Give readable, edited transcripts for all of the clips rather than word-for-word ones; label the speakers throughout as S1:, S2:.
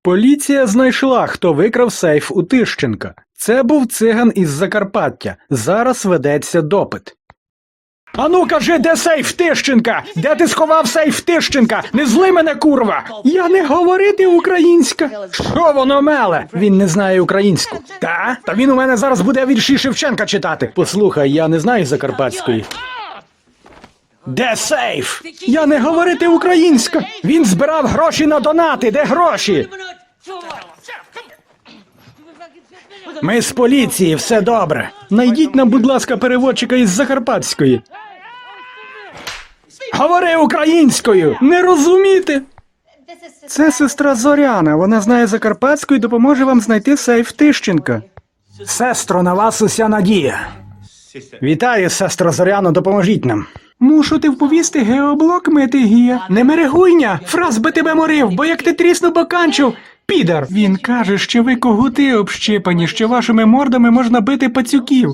S1: Поліція знайшла, хто викрав сейф у Тищенка. Це був циган із Закарпаття. Зараз ведеться допит. Ану, кажи, де сейф Тищенка? Де ти сховав сейф Тищенка? Не зли мене, курва! Я не говорити українська. Що воно меле? Він не знає українську. Та? Та він у мене зараз буде вірші Шевченка читати. Послухай, я не знаю закарпатської. Де сейф? Я не говорити українська. Він збирав гроші на донати. Де гроші? Ми з поліції, все добре. Найдіть нам, будь ласка, переводчика із закарпатської. Говори українською! Не розуміти! Це сестра Зоряна. Вона знає закарпатську і допоможе вам знайти сейф Тищенка. Сестро, на вас уся надія. Вітаю, сестро Зоряно, допоможіть нам. Мушу ти вповісти геоблок мити гія. Не мерегуйня, фраз би тебе морив, бо як ти тріснув боканчив, підар. Він каже, що ви когути общипані, що вашими мордами можна бити пацюків.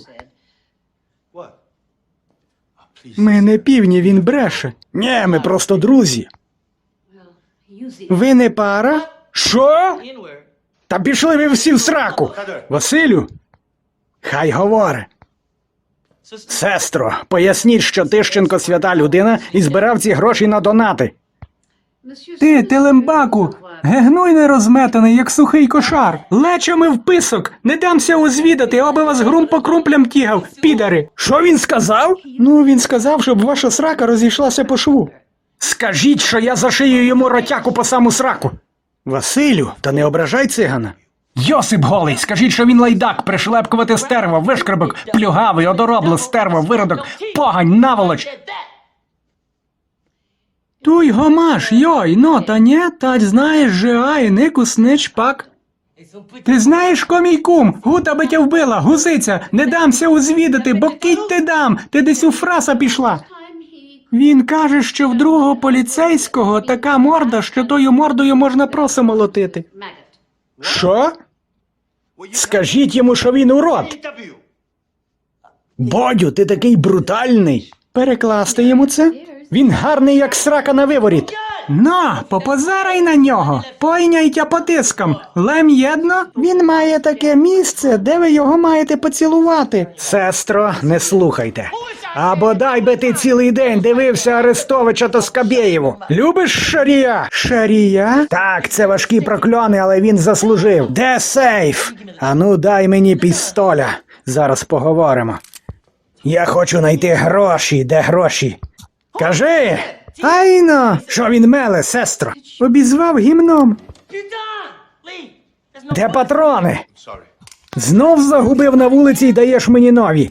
S1: Ми не півні, він бреше. Ні, ми просто друзі. Ви не пара? Що? Та пішли ви всі в сраку. Василю? Хай говори. Сестро, поясніть, що Тищенко свята людина і збирав ці гроші на донати. Ти, телембаку, гегнуй не розметаний, як сухий кошар. Лечами в писок, не дамся узвідати, аби вас грум по крумплям тігав, підари. Що він сказав? Ну, він сказав, щоб ваша срака розійшлася по шву. Скажіть, що я зашию йому ротяку по саму сраку. Василю, та не ображай цигана. Йосип голий, скажіть, що він лайдак, пришлепкувати стерво, вишкребок, плюгавий, одоробло, стерво, виродок, погань, наволоч. Туй гомаш, йой, но та не, тать знаєш же, ай, нику снич пак. Ти знаєш, ко мій кум, гута би тя вбила, гузиця, не дамся узвідати, бо кить ти дам, ти десь у фраса пішла. Він каже, що в другого поліцейського така морда, що тою мордою можна просо молотити. Що? Скажіть йому, що він урод. Бодю, ти такий брутальний. Перекласти йому це? Він гарний, як срака на виворіт. На, попозарай на нього, пойняйте потиском. Лем єдно, він має таке місце, де ви його маєте поцілувати. Сестро, не слухайте. А бодай би ти цілий день дивився Арестовича та Скабєєву. Любиш Шарія? Шарія? Так, це важкі прокльони, але він заслужив. Де сейф? Ану, дай мені пістоля. Зараз поговоримо. Я хочу знайти гроші. Де гроші? Кажи! Айно! Що він меле, сестро? Обізвав гімном. Де патрони? Знов загубив на вулиці й даєш мені нові.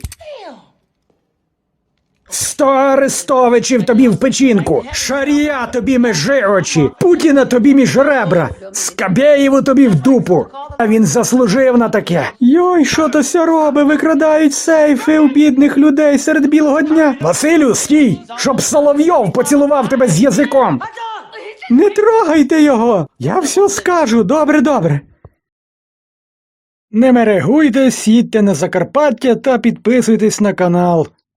S1: 100 Арестовичів тобі в печінку, Шарія тобі між очі, Путіна тобі між ребра, Скабєєву тобі в дупу. А він заслужив на таке. Йой, що то ся робить? Викрадають сейфи у бідних людей серед білого дня. Василю, стій, щоб Соловйов поцілував тебе з язиком. Не трогайте його. Я все скажу. Добре, добре. Не мерегуйте, їдьте на Закарпаття та підписуйтесь на канал.